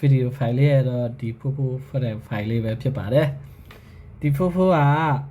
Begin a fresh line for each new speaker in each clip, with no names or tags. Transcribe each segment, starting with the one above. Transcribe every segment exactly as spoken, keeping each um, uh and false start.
video file လေးရတော့ဒီဖိုးဖိုး file လေးပဲဖြစ်ပါတယ်ဒီဖိုးဖိုးက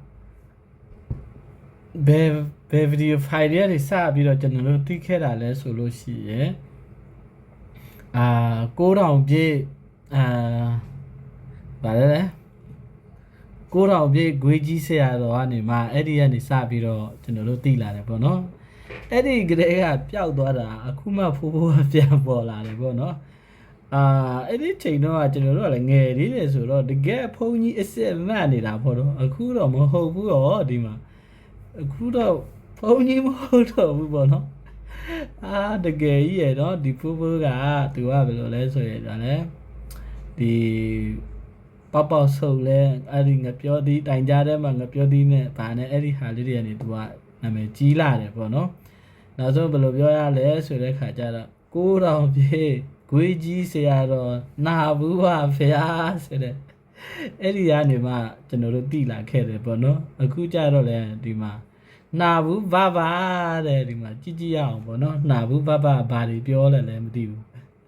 ဘယ်ဘယ် video file တွေစပြီးတော့ကျွန်တော်တို့သိခဲ့တာလဲဆိုလို့ရှိရင်အာကိုးထောင်ပြည့်အာဗါလဲလဲကိုးထောင်ပြည့်ဂွေးကြီးဆရာတော်ကနေမှအဲ့ဒီကနေစပြီးတော့ကျွန်တော်တို့သိလာတယ်ပေါ့နော်အဲ့ဒီကလေးကပျောက်သွားတာအခုမှဖိုးဖိုးကပြန်ပေါ်လာတယ်ပေါ့နော်အာအဲ့ဒီချိန်တော့ကျွန်တော်တို့ကလည်းငယ်သေးတယ်ဆိုတော့တကယ်ဖုန်းကြီးအစ်စ်မတ်နေတာပေါ့နော်အခုတော့မဟုတ်ဘူးရောဒီမှာအခုတော့ဖုန်းကြီးမဟုတ်တော့ဘူးပေါ့နော်အာတကယ်ကြီးရတော့ဒီဖိုးဖိုးကသူကဘယ်လိုလဲဆိုရင်ဒါလည်းဒီပေါပေါဆုပ်လဲအဲ့ဒီငပြောသည်တိုင်ကြတဲ့မှာငပြောသည်နဲ့ဗာနဲ့အဲ့ဒီဟာလေးတွေကနေသူကနာမည်ကြီးလာတယ်ပေါ့နော်နောက်ဆုံးဘယ်လိုပြောရလဲဆိုတဲ့ခါကျတော့ကိုးထောင်ပြေဂွေးကြီးဆရာတော်နာဘူးပါဗျာဆိုတဲ့အဲ့ဒီကနေမှကျွန်တော်တို့တိလာခဲ့တယ်ပေါ့နော်အခုကျတော့လဲဒီမှာနာဘူးဘဘတဲ့ဒီမှာကြည့်ကြည့်ရအောင်ပေါ့နော်နာဘူးဘဘဘာတွေပြောလဲလဲမသိဘူး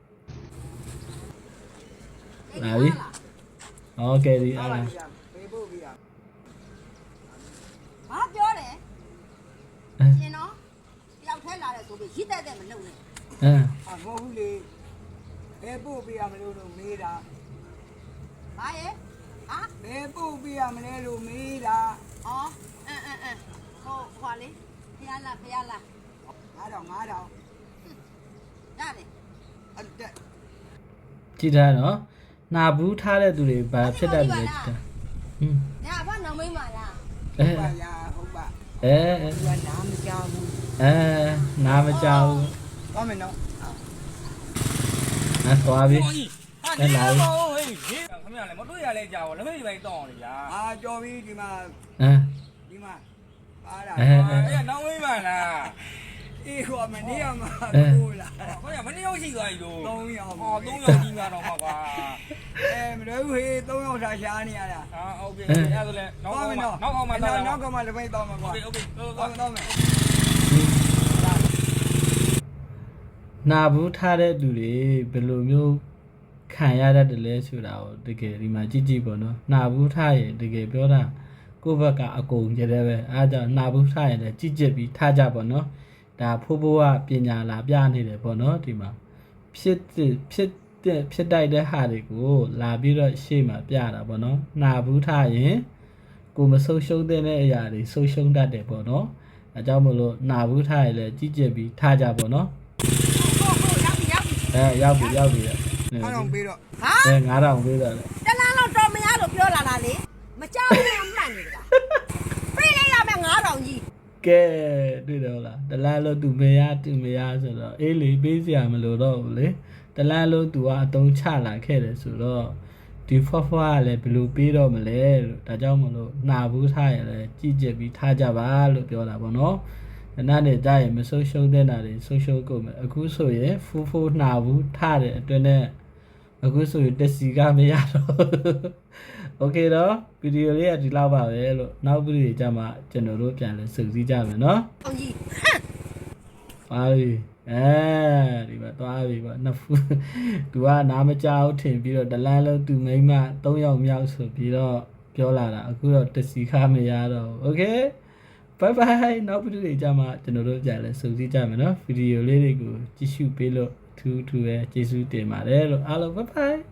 လာပြီโอเคဒီအားလား
ပေးဖို့ပြရ
ဘာပြောတယ်ရှင်နော်တယောက်ထဲလာတယ်ဆိုပြီးရစ်တက်တဲ့မလုပ်နဲ့
အင်း
အမဟုတ်ဘူးလေဘယ်ပို့ပြရမလို့လို့မေးတာ
ဘာရဲ့ဟာ
ဘယ်ပို့ပြရမလဲလို့မေးတာ
အော်အင်းအင်းအင်းဟိုခွာလေးဖျားလားဖျားလား
ငါးထောင်ငါးထောင်
ရတယ်
အဲ့တက်
ကြည့်ထားနော်နာဘူးထားတဲ့သူတွေဘာဖြစ်တတ်လဲကြည့်တာဟင်း
ညာဘာနောင်မိမလား
အဲဟုတ်ပါရာဟုတ်ပါ
အဲ
သူကနားမကြောက်ဘူး
အဲနားမကြောက်ဘူး
သွားမယ်နော်
အဲ့သွားပြီ
အဲ့လာပြီခင်ဗျာလည်းမတွေ့ရလဲကြာဘောလက်မိတ်ပိုင်းတောင်းအောင်လေဗျာ
အာကြော်ပြီဒီမှာ
အဲ
ဒီမှာပါတာ
အဲအဲ့နောင်မိမလား
အေးဟိုမနေ့ကမှကိုလာ
ဟောရမနေ့ရောက်ရှိသွားပြီလို့
သုံးယောက်
ဟောသုံးယောက်ကြီးများတော့မှာကွာ
အဲမလွယ်ဘူးဟေးသုံးယောက်သာရှားနေရတာ
ဟာโอเคအဲ့ဒါဆိုလဲနောက်ကောင်မှနောက်ကောင်မှ
တော့နောက်ကမှလက်မိတ်တော့မှာကွာ
โอเคโอเค
တော့တော့မယ်
နာဘူးထားတဲ့လူတွေဘယ်လိုမျိုးခံရတတ်တယ်လဲဆိုတာကိုတကယ်ဒီမှာကြည့်ကြည့်ပေါ့နော်နာဘူးထားရင်တကယ်ပြောတာကိုယ့်ဘက်ကအကုန်ကြတဲ့ပဲအားကြောင့်နာဘူးထားရင်လည်းကြည့်ကြည့်ပြီးထားကြပေါ့နော်ဒါဖိုးဖိုးကပညာလာပြနေတယ်ပေါ့နော်ဒီမှာဖြစ်ဖြစ်တဲ့ဖြစ်တိုက်တဲ့ဟာတွေကိုလာပြီးတော့ရှေ့မှာပြတာပေါ့နော်နာဘူးထားရင်ကိုမဆုပ်ရှုံးတဲ့အရာတွေဆုပ်ရှုံးတတ်တယ်ပေါ့နော်အဲကြောင့်မလို့နာဘူးထားရင်လည်းကြည့်ကြည့်ပြီးထားကြပေါ့နော်အဲရောက်ပြီရောက်ပြီ
ငါးထောင်ပေးတော့
ဟာ
အဲငါးထောင်ပေးတော့လေ
တလားလောက်တော်မရလို့ပြောလာတာလေမကြောက်ဘူးမှန်နေလားပေးလိုက်ရမယ်ငါးထောင်ကြီး
ကဲတွေ့တော့လားတလားလို့သူမရသူမရဆိုတော့အေးလေပေးစရာမလိုတော့ဘူးလေတလားလို့သူကအတုံးချလာခဲ့တယ်ဆိုတော့ဒီဖွားဖွားကလည်းဘယ်လိုပေးတော့မလဲလို့ဒါကြောင့်မလို့နှာဘူးထားရလဲကြည့်ကြပြီးထားကြပါလို့ပြောတာပေါ့နော်အဲ့ဒါနဲ့ကြာရင်မဆိုးရှုံးတဲ့နာတွေဆိုးရှုံးကုန်မယ်အခုဆိုရင်ဖူးဖူးနှာဘူးထားတဲ့အတွင်းနဲ့အခုဆိုရင်တက်စီကမရတော့โอเคတော့ဗီဒီယိုလေးကဒီလောက်ပါပဲလို့နောက်ဗီဒီယိုကြမှာကျွန်တော်တို့ပြန်လဲစုစည်းကြမယ်နော်
အောင်ကြီး
ပါပြီအဲဒီမှာသွားပြီပေါ့နှစ်ဖူးသူကနားမကြောက်ထင်ပြီးတော့ဒလန်းလုံးသူမိမသုံးယောက်မြောက်ဆိုပြီးတော့ပြောလာတာအခုတော့တက်စီခမရတော့โอเคဘိုင်ဘိုင်နောက်ဗီဒီယိုကြမှာကျွန်တော်တို့ပြန်လဲစုစည်းကြမယ်နော်ဗီဒီယိုလေးတွေကိုကြည့်ရှုပေးလို့ထူးထူးပဲကျေးဇူးတင်ပါတယ်လို့အားလုံးဘိုင်ဘိုင်